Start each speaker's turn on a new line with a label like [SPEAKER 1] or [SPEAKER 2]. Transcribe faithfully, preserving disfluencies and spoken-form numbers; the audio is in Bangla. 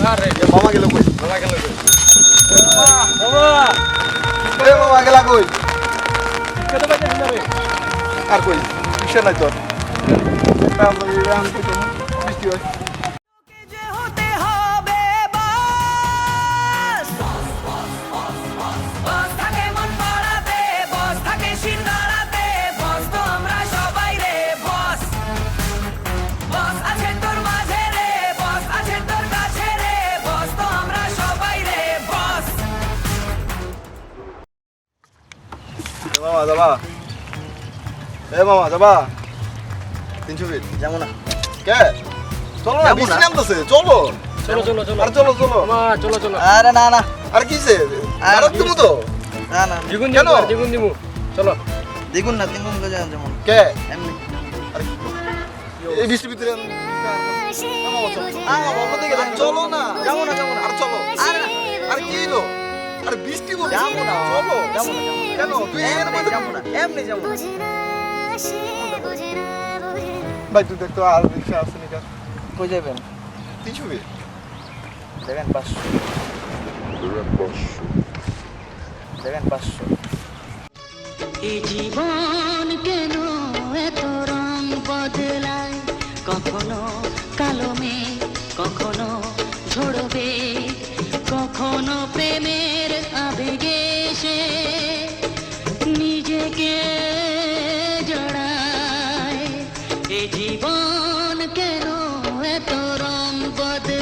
[SPEAKER 1] আরে
[SPEAKER 2] মামা গেল কই?
[SPEAKER 1] মামা গেল কই?
[SPEAKER 2] মামা এ মামা গেলা কই?
[SPEAKER 1] কত বাজে যাবে?
[SPEAKER 2] আর কই? কিসে নাই তোর? রাম রাম কই তো বৃষ্টি হয়। মামা যাবা? এ মামা যাবা? তিনশো ফিট
[SPEAKER 3] যাবো না
[SPEAKER 2] কে? চলো না
[SPEAKER 3] যাবো
[SPEAKER 2] বৃষ্টি
[SPEAKER 3] না।
[SPEAKER 2] নামতেছে চলো।
[SPEAKER 1] চলো চলো চলো
[SPEAKER 2] আরে চলো চলো।
[SPEAKER 1] মামা চলো চলো
[SPEAKER 3] আরে না না
[SPEAKER 2] আর কিসে?
[SPEAKER 3] আর
[SPEAKER 2] আর তুমি তো
[SPEAKER 3] না না
[SPEAKER 1] দ্বিগুণ
[SPEAKER 2] কেন?
[SPEAKER 1] দিমু দ্বিগুণ দিমু চলো
[SPEAKER 3] দ্বিগুণ না তিনগুণ করে যাবো যেমন
[SPEAKER 2] কে?
[SPEAKER 3] এমনি
[SPEAKER 2] আরে এই বৃষ্টির ভিতরে আমি- মামা চলো। মামা অন্যদিকে যান। চলো না।
[SPEAKER 3] যাবো না যাবো না
[SPEAKER 2] আর চলো।
[SPEAKER 3] আরে না
[SPEAKER 2] আর কি হলো? আরে বৃষ্টি বলছে।
[SPEAKER 3] যাবো না
[SPEAKER 2] চলো।
[SPEAKER 3] যাবো না যাবো না
[SPEAKER 2] কেন? তুই এর
[SPEAKER 3] এমনি
[SPEAKER 2] মধ্যে
[SPEAKER 3] যাবো না এমনি যাবো না
[SPEAKER 2] ভাই তুই দেখতো আর রিক্সা আছে নাকি?
[SPEAKER 3] কই যাবেন
[SPEAKER 2] তিনশো ফিট।
[SPEAKER 3] দেখেন পাঁচশো দেখেন পাঁচশো
[SPEAKER 4] এই জীবন কেন এত রং বদলায় কখনো কালো মেঘ কখনো ঝরবে কখনো প্রেমের আবেগে সে নিজেকে জড়ায় এই জীবন কেন এত রং বদলায়